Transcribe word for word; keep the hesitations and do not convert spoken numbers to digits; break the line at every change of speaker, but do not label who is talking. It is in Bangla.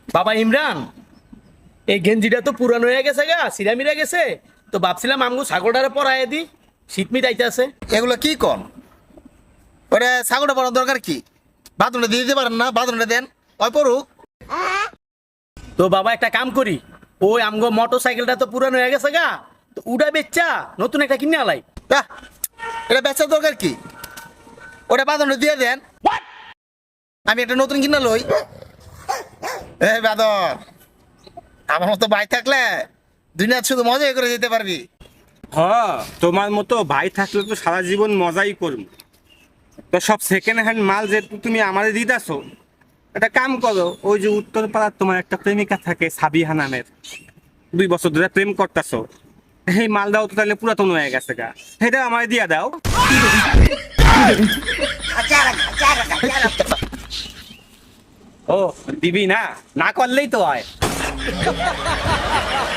বাবা ইমরান, এই গেঞ্জিটা তো পুরানো হয়ে গেছে গা, সিরামিরা গেছে। তো ভাবছিলাম আমগো ছাগলটারে পরাইয়ে দি, শীত মিটাইতে আছে।
এগুলো কি কন? ওটা ছাগলটা পড়ার দরকার কি? বাথরুমটা দিয়ে দিতে পারেন না? বাথরুমটা দেন, ওই পড়ুক।
তো বাবা একটা কাম করি, ওই আমগো মোটর সাইকেলটা তো পুরানো হয়ে গেছে গা, তো উড়া বেচ্চা নতুন একটা কিনে আলাই।
বাহ, এটা বেচার দরকার কি? ওটা বাথরুমটা দিয়ে দেন, আমি একটা নতুন কিনা লই। এ বাদর, আমার মতো ভাই থাকলে দুনিয়া শুধু মজাই করে যেতে পারবি।
হ, তোমার মতো ভাই থাকলে তো সারা জীবন মজাই করব। তো সব সেকেন্ড হ্যান্ড মাল যে তুমি আমাদের দিতেছো, একটা কাম করো, ওই যে উত্তরপাড়ার তোমার একটা প্রেমিকা থাকে সাবিহা নামের, দুই বছর ধরে প্রেম করতেছো, এই মালটাও তো তাহলে পুরাতন হয়ে গেছে গা, সেটা আমার দিয়া দাও। ও দিবি না? না করলেই তো হয়।